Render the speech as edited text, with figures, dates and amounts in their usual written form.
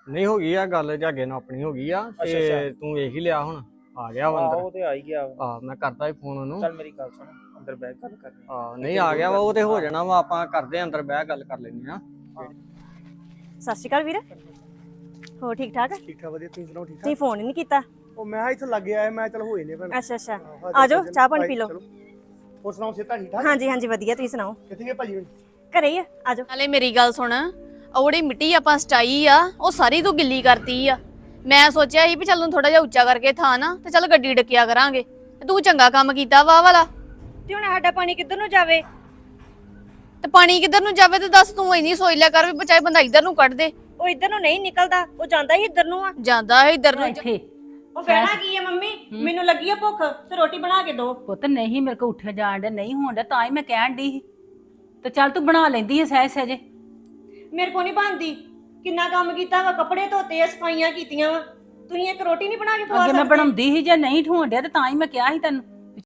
ਨਹੀਂ ਹੋ ਗਈ ਆ ਗੱਲ, ਜਾਗੇ ਨਾਲ ਆਪਣੀ ਹੋ ਗਈ ਆ ਤੇ ਤੂੰ ਵੇਖ ਹੀ ਲਿਆ ਹੁਣ ਆ ਗਿਆ ਵਾ ਅੰਦਰ। ਉਹ ਤੇ ਆ ਹੀ ਗਿਆ ਆ ਮੈਂ ਕਰਦਾ ਹੀ ਫੋਨ ਉਹਨੂੰ। ਚੱਲ ਮੇਰੀ ਗੱਲ ਸੁਣ, ਅੰਦਰ ਬੈਠ ਗੱਲ ਕਰਨੀ। ਨਹੀਂ ਆ ਗਿਆ ਵਾ ਉਹ ਤੇ ਹੋ ਜਾਣਾ ਵਾ, ਆਪਾਂ ਕਰਦੇ ਆਂ ਅੰਦਰ ਬਹਿ ਗੱਲ ਕਰ ਲੈਂਦੇ ਆ। ਸਤਿ ਸ਼੍ਰੀ ਅਕਾਲ ਵੀਰ, ਹੋ ਠੀਕ ਠਾਕ? ਠੀਕ ਠਾਕ ਵਧੀਆ, ਤੁਸੀਂ ਸੁਣਾਓ ਠੀਕ ਠਾਕ? ਤੁਸੀਂ ਫੋਨ ਹੀ ਨਹੀਂ ਕੀਤਾ। ਉਹ ਮੈਂ ਇੱਥੇ ਲੱਗ ਆਇਆ, ਮੈਂ ਚਲ ਹੋਏ ਨੇ ਭੈਣ। ਅੱਛਾ ਅੱਛਾ, ਆ ਜਾਓ ਚਾਹ ਪਾਣੀ ਪੀ ਲਓ। ਹੋਰ ਸੁਣਾਓ ਸਿਹਤਾਂ ਠੀਕ ਠਾਕ? ਹਾਂਜੀ ਹਾਂਜੀ ਵਧੀਆ, ਤੁਸੀਂ ਸੁਣਾਓ? ਕਿੱਥੇ ਗਏ ਭਾਜੀ? ਘਰੇ ਹੀ ਆ ਜਾਓ। ਨਾਲੇ ਮੇਰੀ ਗੱਲ ਸੁਣ, ਉਹੜੀ ਮਿੱਟੀ ਆਪਾਂ ਸਟਾਈ ਆ ਉਹ ਸਾਰੀ ਤੂੰ ਗਿੱਲੀ ਕਰਤੀ ਆ। ਮੈਂ ਸੋਚਿਆ ਸੀ ਵੀ ਚੱਲ ਨੂੰ ਥੋੜਾ ਜਿਹਾ ਉੱਚਾ ਕਰਕੇ ਥਾਂ ਨਾ ਤੇ ਚੱਲ ਗੱਡੀ ਡੱਕਿਆ ਕਰਾਂਗੇ, ਤੇ ਤੂੰ ਚੰਗਾ ਕੰਮ ਕੀਤਾ ਵਾਹ ਵਾਲਾ। ਤੇ ਹੁਣ ਸਾਡਾ ਪਾਣੀ ਕਿੱਧਰ ਨੂੰ ਜਾਵੇ? ਤੇ ਪਾਣੀ ਕਿੱਧਰ ਨੂੰ ਜਾਵੇ ਤੇ ਦੱਸ, ਤੂੰ ਇੰਨੀ ਸੋਚ ਲਿਆ ਕਰ ਵੀ ਬਚਾਏ ਬੰਦਾ ਇੱਧਰ ਨੂੰ ਕੱਢ ਦੇ। ਉਹ ਇੱਧਰ ਨੂੰ ਨਹੀਂ ਨਿਕਲਦਾ, ਉਹ ਜਾਂਦਾ ਹੀ ਇੱਧਰ ਨੂੰ ਆ। ਜਾਂਦਾ ਹੈ ਇੱਧਰ ਨੂੰ। ਇੱਥੇ ਉਹ ਕਹਿਣਾ ਕੀ ਹੈ ਮੰਮੀ, ਮੈਨੂੰ ਲੱਗੀ ਆ ਭੁੱਖ ਤੇ ਰੋਟੀ ਬਣਾ ਕੇ ਦਿਓ। ਪੁੱਤ ਨਹੀਂ ਮੇਰੇ ਕੋ ਉੱਠਿਆ ਜਾਣ ਡਿਆ, ਨਹੀਂ ਹੋਣ ਡਿਆ, ਤਾਂ ਹੀ ਮੈਂ ਕਹਿਣ ਡਈ ਸੀ। ਤੇ ਚੱਲ ਤੂੰ ਬਣਾ ਲੈਂਦੀ ਹੈ ਸਹਿਜ ਸਹਿਜੇ। ਮੇਰੇ ਕੋ ਨਹੀਂ ਬਣਦੀ, ਕਿੰਨਾ ਕੰਮ ਕੀਤਾ ਵਾ, ਕੱਪੜੇ ਧੋਤੇ ਆ, ਸਫਾਈਆਂ ਕੀਤੀਆਂ ਵਾ, ਤੁਸੀਂ ਇੱਕ ਰੋਟੀ ਨਹੀਂ ਬਣਾ ਕੇ ਖਵਾ ਅੱਗੇ ਮੈਂ ਸਕਦੇ? ਬਣਾਉਂਦੀ ਸੀ, ਜੇ ਨਹੀਂ ਹੋਣ ਡਿਆ ਤੇ ਤਾਂ ਹੀ ਮੈਂ ਕਿਹਾ ਸੀ ਤੈਨੂੰ।